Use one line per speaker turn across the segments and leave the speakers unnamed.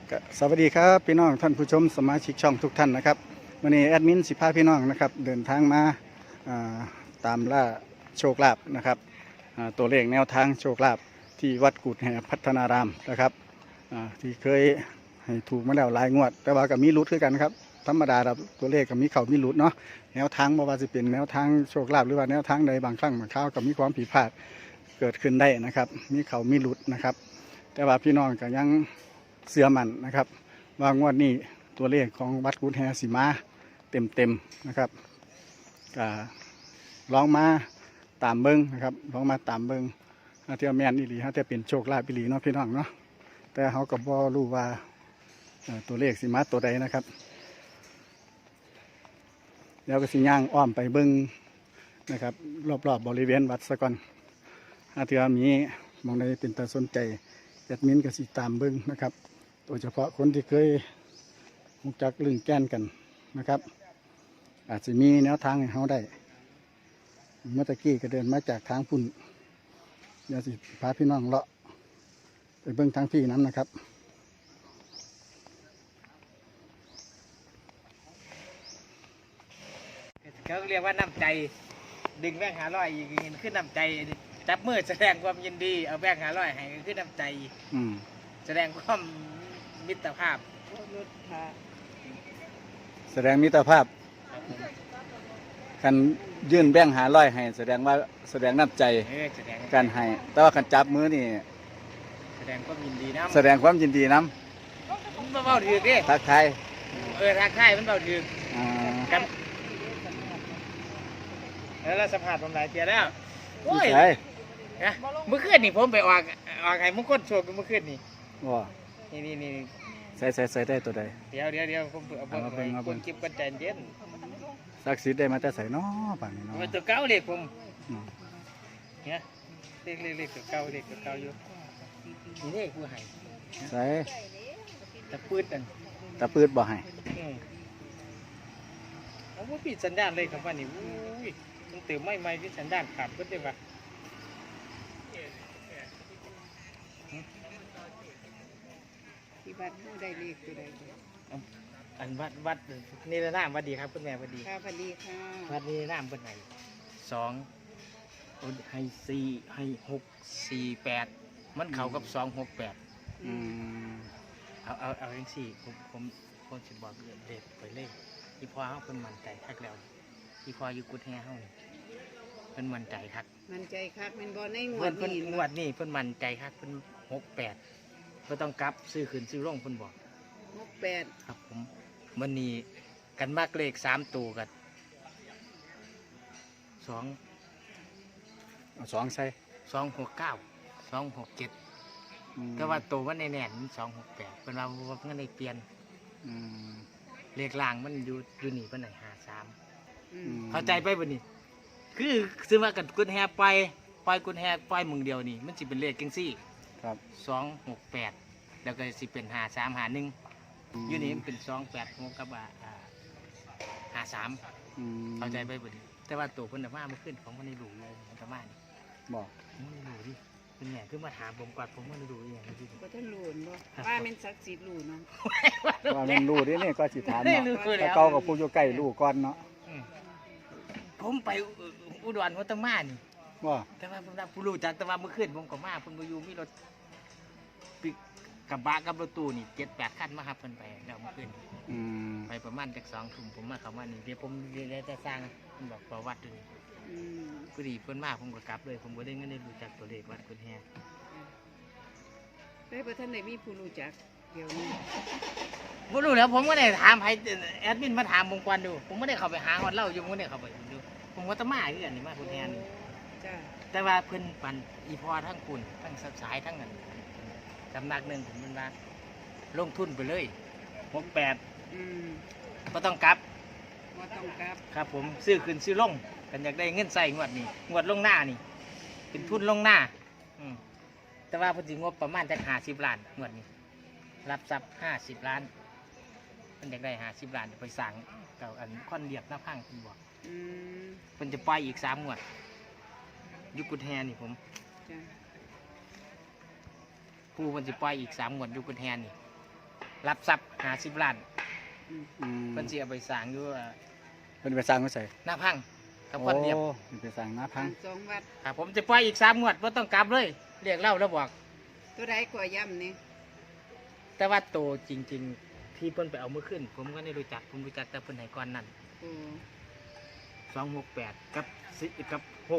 ก็สวัสดีครับพี่น้องท่านผู้ชมสมาชิกช่องทุกท่านนะครับวันนี้แอดมินสิพาพี่น้องนะครับเดินทางมาตามล่าโชคลาภนะครับตัวเลขแนวทางโชคลาภที่วัดกุดแห่พัฒนารามนะครับที่เคยให้ถูกมาแล้วหลายงวด แต่ว่าก็มีลุ้นคือกันครับธรรมดาครับตัวเลขก็มีเขามีลุ้นเนาะแนวทางบ่ว่าจะเป็นแนวทางโชคลาภหรือว่าแนวทางใดบางครั้งบางคราวก็มีความผิดพลาดเกิดขึ้นได้นะครับมีเขามีลุ้นนะครับ แต่ว่าพี่น้องก็ยังเสื่อมันนะครับว่างวดนี้ตัวเลขของวัดกุดแฮสีมาเต็มนะครับก็ลองมาตามเบิ้งนะครับลองมาตามเบิ้งเที่ยวแมนอีหลีฮะแต่เป็นโชคลาภอีหลีเนาะพี่น้องเนาะแต่เขาก็บ่รู้ว่าตัวเลขสีมาตัวใดนะครับแล้วก็สิย่างอ้อมไปเบิ้งนะครับรอบๆบริเวณวัดซะก่อนเที่ยวมีมองใดเป็นตาสนใจแอดมินก็สิตามเบิ้งนะครับโดยเฉพาะคนที่เคยรู้จักลึงแก้นกันนะครับอาจจะมีแนวทางให้เขาได้เมื่อตะกี้ก็เดินมาจากทางพุ่นเดี๋ยวสิพาพี่น้องเลาะไปเบิ้งทางพี่น้ำนะครับ
เขาเรียกว่าน้ำใจดึงแบงค์500อีกขึ้นน้ำใจจับมือแสดงความยินดีเอาแบงค์500ให้ขึ้นน้ำใจแสดงความมิตรภาพ
แสดงมิตรภาพกันยื่นแบ่ง500ให้แสดงว่าแสดงน้ำใจการให้แต่ว่ากันจับมือนี่
แสดงความยินดีน้ำ
แสดงความยินดีน้ำ
มันเบาถือดิ
ทักทาย
ทักทายมันเบาถือกันแล้วสัมผัสผมหลายเทียแล้วโอ้ยเมื่อคืนนี่ผมไปออกให้มุกคนโชว์เมื่อคืนนี่
ว้า
นี่
ใส่ได้ตัวใด
เดี๋ยวผมเอาไปคนเก็บกันใจเย็น
สักสิได้มาแต่ใส่น้อป่านนี้เนาะ
ตัวเก่าเล็กผมเนี่ยเล็กตัวเก่าอยู่นี่เล็กผู้ให้
ใส่
ตะปืดนั่น
ตะปืดบ่ให้
เอาว่าปิดสัญญาณเลยครับว่านี่มันเติมไม่ที่สัญญาณขาดก็ได้ปะ
ที่วัดได้เลขตัวใด
อันวัดนี่ละน้ำวัดดีครับคุณแม่วัดดี
ค่ะวัดดีค่ะ
วัดนี่น้ำเป็นไหน2ให้4ให้6 4 8มันเข้ากับ2 6 8เอาอย่างสี่ผมจะบอกเด็ดไปเลยที่พ่อเขาเป็นมันใจคักแล้วที่พ่ออยู่กุดแห่เขาเป็นมันใจคัก
มันใจคักเป็นบอลในงวด
นี้งวดนี้เป็นมันใจคักเป็น6 8ก็ต้องกลับซื้อขึ้นซื้อลงเป็นบอก
6 8
ครับผมมันนี่กันมากเลข3ตัวกัน
2ใส่
269 267แต่ว่าตัวมันแน่น268เป็นเราเงินในเปลี่ยนเลขล่างมันอยู่นี่เป็นไหน53เข้าใจไปบ่นี่คือซื้อมากันกุญแฮปล่อยกุญแฮปล่อยมึงเดียวนี่มันสิเป็นเลขจังซี่
ครับ
268แล้วก็สิเป็น5351อยู่นี่มันเป็น286กับ53เข้าใจไปบ่นี่แต่ว่าตัวเพิ่นน่ะมาเมื่อคืนของมันได้รู้เลยมันก็มานี่
บอก
มันรู้ดิเป็นไงคือมาถามผมก่อนผมมันรู้อย่างนี้
บ่ทันรู้บ่ว่ามันศักดิ์สิทธิ์รู้เนาะ
ว่ามันรู้ดินี่ก็สิถามเนาะแต่เก่ากับผู้อยู่ใกล้รู้ก่อนเนาะ
ผมไปอุดรหัวตะมานี่
ว่า
แต่ว่าผมผู้รู้จักแต่ว่าเมื่อคืนผมก็มาเพิ่นบ่อยู่มีรถปิกกระบะกับรถตู้นี่ 7-8 คันมาครับเพิ่นไปแล้วเมื่อคืนไปประมาณจัก2 ทุ่มผมมาเข้ามานี่เดี๋ยวผมได้จะสร้างเพิ่นบอกประวัติอยู่นี่พอดีเพิ่นมาผมก็กลับเลยผมบ่ได้เงินได้รู้จักตัวเลขวัดกุญแฮ
ได้บ่ทันได้มีผู้รู้จักเดี๋ยวนี้
บ่รู้แล้วผมก็ได้ถามให้แอดมินมาถามผมก่อนดูผมไม่ได้เข้าไปหาฮอดเล่าอยู่ผมไม่ได้เข้าไปดูผมว่าตะมาคือกันนี่มากุญแฮนี่แต่ว่าเพิ่นปั่นอีพอทั้งคุณทั้งสายทั้งนั้นสำนักนึงผมมันว่าลงทุนไปเลย68บ่ต้องกลับครับผมซื้อขึ้นซื้อลงกันอยากได้เงินใส่งวดนี้งวดลงหน้านี่เป็นทุนลงหน้าแต่ว่าพอดีงบประมาณจะ50 ล้านงวดนี้รับทรัพย์50 ล้านมันอยากได้50 ล้านไปสั่งกับอันค่อนเรียบหน้าพังคุณบอกมันจะปล่อยอีก3 งวดยุกุดแฮนี่ผมผู้มันจะปล่อยอีก3 งวดยุกุดแฮนี่รับทรัพย์50 ล้าน
อืม
เพิ่นสิเอาไปสร้างอยู่
เป็นไปสร้างไว้ใส่
หน้าพังกับคนเรียบ
โอ้เป็นไปสร้างหน้าพัง
สองวัด
ครับผมจะปล่อยอีก3 งวดบ่ต้องกลับเลยเรียกเล่าแล้วบอก
ตัวใดกว่าย่ำนี่
แต่ว่าโตจริง ๆ ที่เพิ่นไปเอามือขึ้น ผมก็ไม่รู้จักผมรู้จักแต่เพิ่นให้ก่อนนั้น
โอ้
268กับ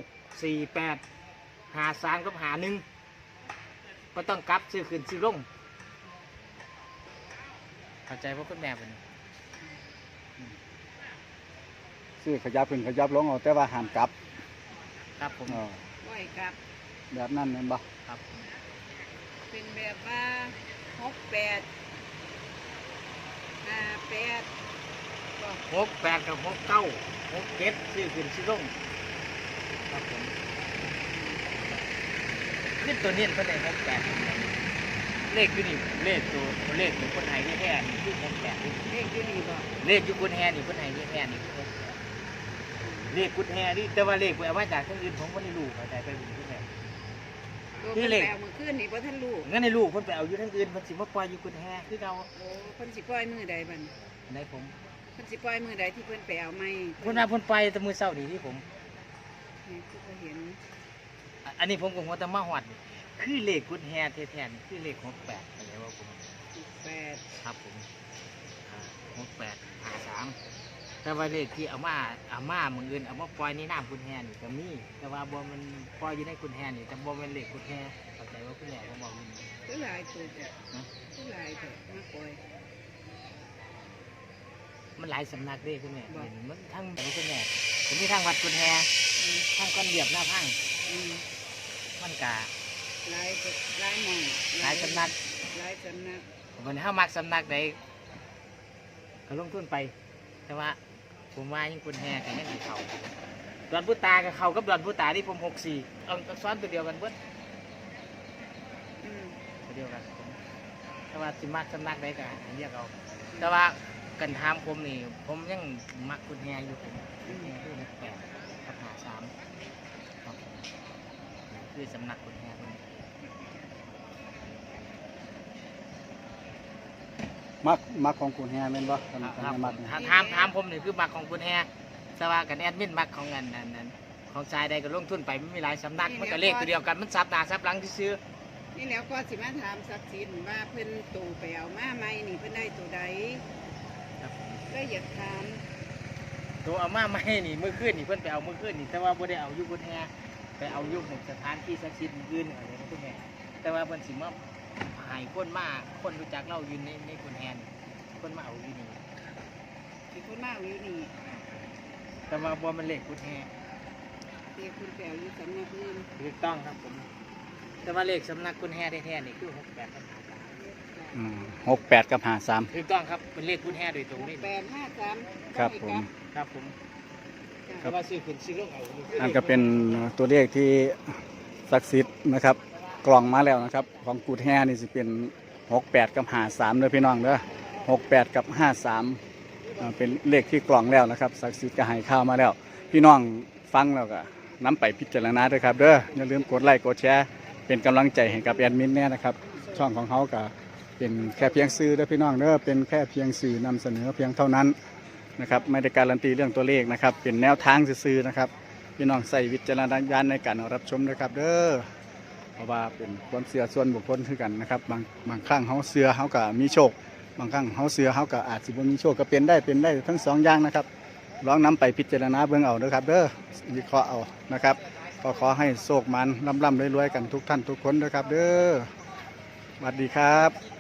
648 53กับ51บ่ต้องกลับซื้อขึ้นซื้อลงเข้าใจว่าคุณแม่เพิ่น
ซื้อขยับขึ้นขยับลงเอาแต่ว่าห้ามกลับ
ครับผม
ไหวครับ
แบบนั้นแม่นบ่
ครับ
เป็นแบบว่า68 58ก็
68กับ69 67ซื้อขึ้นซื้อลงครับผมขึ้นตัวเน้นเพิ่นได้68เลขอยู่นี่เลขตัวคนไทยนี่แท้นี่คือ68
เลขอยู่นี่บ่
เลขอยู่กุญแฮนี่คนไทยนี่แท้นี่คือเลขกุญแฮนี่แต่ว่าเลขไปเอามาจากทางอื่นผมบ่ได้รู้เข้าใจไปบุญที่ไหน
ตัว
นี่
เพิ่น
เลข
แปลมื้อคืนนี่บ่ทันรู้
งั้นในลูกเพิ่นไปเอาอยู่ทางอื่นเพิ่นสิมาปล่อยอยู่กุญแฮคือเรา
โอ้เพิ่นสิปล่อยมื้อใดบัดนี้
ในผม
เพิ่นสิปล่อยมื้อใดที่เพิ่นไปเอาไม้
เพิ่นว่าเพิ่นไปแต่มื้อเช้านี่ที่ผม
นี่คือก็เห็น
อันนี้ผมก็หัวแต่มาฮอดนี่คือเลขกุญแฮแท้ๆนี่คือเลข68อะไรว่าผม
8
ครับผม68 53แต่ว่าเลขที่เอามามื้ออื่นเอามาปล่อยในน้ำกุญแฮนี่ก็มีแต่ว่าบ่มันปล่อยอยู่ในกุญแฮนี่แต่บ่แม่นเลขกุญแฮเข้าใจว่าคุณแม่ผมบอกอยู่นี่
คือหลายตัวจ้ะ
นะ
คือหลายตัวมาปล่อย
มันหลายสำนักเด้คุณแม่
บอก
เห็นมันทั้งคุณแม่ผมมีทั้งวัดกุญแฮ
อืม
ทั้งก้อนเดียบหน้าพัง
อืม
มันกะ
หลายตัวหลายหม่อง
หลายสำนัก
หลายสำนัก
มันถ้ามักสำนักใดก็ลงทุนไป แต่ว่าผมว่ายิ่งกุญแฮกับยังมีเขาดอนพุตากับเขากับดอนพุตาที่ผม64เอาซ้อนตัวเดียวกันเบิด
อืม
ตัวเดียวกันผมแต่ว่าสิมักสำนักใดก็เรียกเอาแต่ว่ากันถามผมนี่ผมยังมักกุญแฮอยู่ผมกุญแฮคือ68กับ53ครับผมคือสำนักกุญแฮคนนี้
มักของคุณแฮแม่นบ่ท่าน
ครับ
มักเนี่ย
ถามผมนี่คือมักของคุณแฮแต่ว่ากันแอดมินมักของอันนั้นของชายใดก็ลงทุนไปไม่มีหลายสำนักมันก็เลขตัวเดียวกันมันซับหน้าซับหลังที่ซื้อ
นี่แล้วก็สิมาถามศักดิ์สิทธิ์ว่าเพิ่นตู่ไปเอามาไหมนี่เพิ่นได้ตัวใดก็อยากถาม
ตัวเอามาไม่นี่เมื่อคืนนี่เพิ่นไปเอาเมื่อคืนนี่แต่ว่าบ่ได้เอาอยู่กุญแฮไปเอาอยู่หมู่สถานที่ศักดิ์สิทธิ์อื่นอะไรนะคุณแม่แต่ว่าเพิ่นสิมาหายคนมาคนรู้จักเราอยู่ในกุญแฮนี่คนมาเอาอยู่นี่
ที่คนมาเอาอยู่นี่
แต่ว่าบ่มันเลขกุญแฮ
เรียกคุณแปลอยู่สำนักอื่น
ถูกต้องครับผมแต่ว่าเลขสำนักกุญแฮแท้ๆนี่คือ68กับ
อืม68กับ53
ถูกต้องครับเป็นเลขกุญแฮโดยตรงนี่
853
ครับผม
ครับผม
จ้ะ
แต่ว่าซื้อขึ้นซื้อลงเอา
นั่นก็เป็นตัวเลขที่ศักดิ์สิทธิ์นะครับกล่องมาแล้วนะครับของกูดแฮนี่สิเป็น68กับ53เด้อพี่น้องเด้อ68กับ53เป็นเลขที่กล่องแล้วนะครับศักดิ์สิทธิ์ก็ให้ข้าวมาแล้ว พี่น้องฟังแล้วก็นำไปพิจารณาด้วยครับเด้ออย่าลืมกดไลค์กดแชร์เป็นกำลังใจให้กับแอดมินเนี่ยนะครับช่องของเขาก็เป็นแค่เพียงสื่อเด้อพี่น้องเด้อเป็นแค่เพียงสื่อนำเสนอเพียงเท่านั้นนะครับไม่ได้การันตีเรื่องตัวเลขนะครับเป็นแนวทางซื่อๆนะครับ พี่น้องใส่วิจารณญาณในการรับชมนะครับเด้อเพราะว่าเป็นความเชื่อส่วนบุคคลคือกันนะครับบางครั้งเขาเชื่อเขาก็มีโชค บางครั้งเขาเชื่อเขาก็อาจสิบ่มีโชคก็เป็นได้ทั้งสองอย่างนะครับลองนำไปพิจารณาเบิ่งเอาเด้อครับเด้อวิเคราะห์เอานะครับก็ขอให้โชคมันร่ำรวยๆกันทุกท่านทุกคนนะครับเด้อสวัสดีครับ